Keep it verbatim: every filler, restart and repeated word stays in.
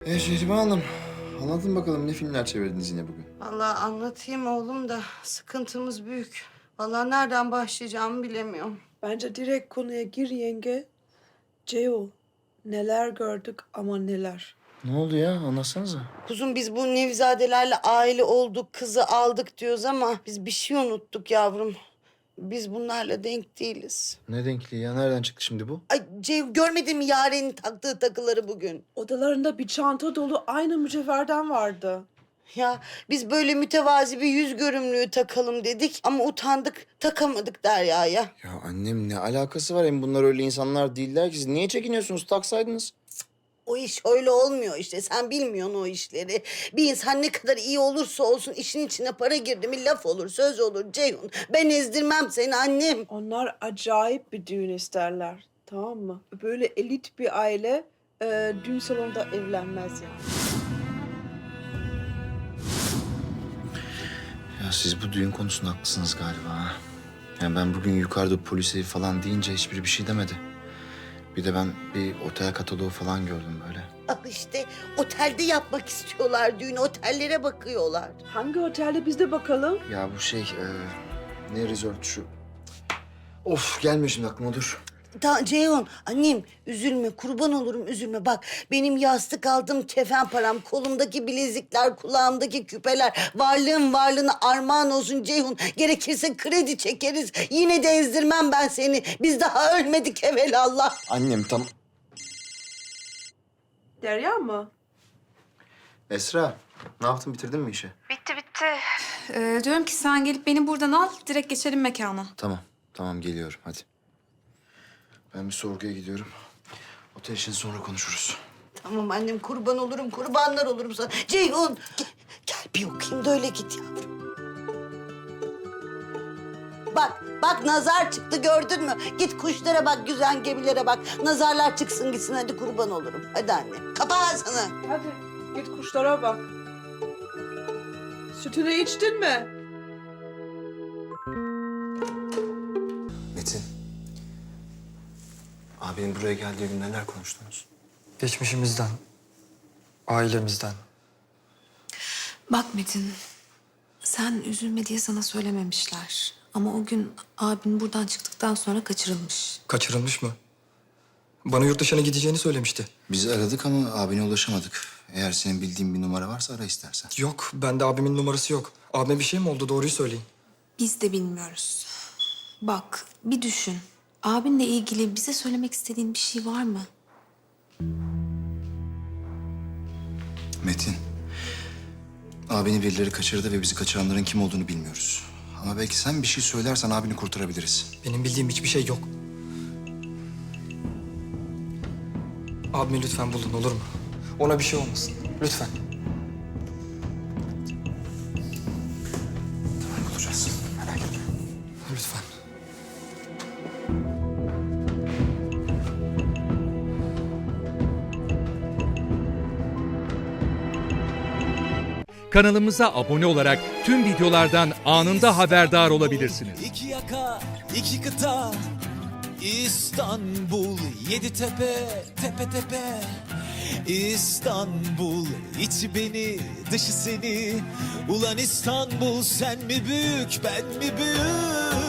E Şehriban Hanım, anlatın bakalım ne filmler çevirdiniz yine bugün? Vallahi anlatayım oğlum da sıkıntımız büyük. Vallahi nereden başlayacağımı bilemiyorum. Bence direkt konuya gir yenge. Ceo, neler gördük ama neler. Ne oldu ya? Anlatsanıza. Kuzum biz bu Nevizadelerle aile olduk, kızı aldık diyoruz ama biz bir şey unuttuk yavrum. Biz bunlarla denk değiliz. Ne denkliği ya? Nereden çıktı şimdi bu? Ay Ceyhun görmedin mi Yaren'in taktığı takıları bugün? Odalarında bir çanta dolu aynı mücevherden vardı. Ya biz böyle mütevazi bir yüz görümlüğü takalım dedik ama utandık, takamadık Derya'ya. Ya annem ne alakası var? Hem bunlar öyle insanlar değiller ki. Siz niye çekiniyorsunuz? Taksaydınız. O iş öyle olmuyor işte. Sen bilmiyorsun o işleri. Bir insan ne kadar iyi olursa olsun işin içine para girdi mi laf olur, söz olur Ceyhun. Ben ezdirmem seni annem. Onlar acayip bir düğün isterler. Tamam mı? Böyle elit bir aile e, düğün salonunda evlenmez yani. Ya siz bu düğün konusunda haklısınız galiba. ha. Yani ben bugün yukarıda polise falan deyince hiçbiri bir şey demedi. Bir de ben bir otel kataloğu falan gördüm böyle. Al işte otelde yapmak istiyorlar düğün. Otellere bakıyorlar. Hangi otelde biz de bakalım? Ya bu şey, e, ne resort şu? Of gelmiyor şimdi aklıma dur. Ta Ceyhun annem üzülme kurban olurum üzülme. Bak benim yastık aldım kefen param, kolumdaki bilezikler, kulağımdaki küpeler. Varlığım varlığına armağan olsun Ceyhun. Gerekirse kredi çekeriz. Yine de ezdirmem ben seni. Biz daha ölmedik evelallah. Annem tam... Derya mı? Esra, ne yaptın? Bitirdin mi işi? Bitti bitti. Ee, diyorum ki sen gelip beni buradan al, direkt geçelim mekana. Tamam, tamam geliyorum hadi. Ben bir sorguya gidiyorum. Otel için sonra konuşuruz. Tamam annem kurban olurum, kurbanlar olurum sana. Ceyhun gel, gel bir okuyayım da öyle git yavrum. Bak, bak nazar çıktı gördün mü? Git kuşlara bak, güzel gemilere bak. Nazarlar çıksın gitsin hadi kurban olurum. Hadi anne, kapa ağzını. Hadi git kuşlara bak. Sütünü içtin mi? Metin. Abinin buraya geldiği gün neler konuştunuz? Geçmişimizden, ailemizden. Bak Metin, sen üzülme diye sana söylememişler. Ama o gün abin buradan çıktıktan sonra kaçırılmış. Kaçırılmış mı? Bana yurt dışına gideceğini söylemişti. Biz aradık ama abine ulaşamadık. Eğer senin bildiğin bir numara varsa ara istersen. Yok, bende abimin numarası yok. Abime bir şey mi oldu? Doğruyu söyleyin. Biz de bilmiyoruz. Bak, bir düşün. Abinle ilgili bize söylemek istediğin bir şey var mı? Metin. Abini birileri kaçırdı ve bizi kaçıranların kim olduğunu bilmiyoruz. Ama belki sen bir şey söylersen abini kurtarabiliriz. Benim bildiğim hiçbir şey yok. Abimi lütfen bulun, olur mu? Ona bir şey olmasın. Lütfen. Tamam bulacağız. Merak etme. Lütfen. Kanalımıza abone olarak tüm videolardan anında haberdar olabilirsiniz. İki yaka, iki kıta, İstanbul, yedi tepe, tepe tepe. İstanbul, içi beni, dışı seni. Ulan İstanbul, sen mi büyük, ben mi büyük?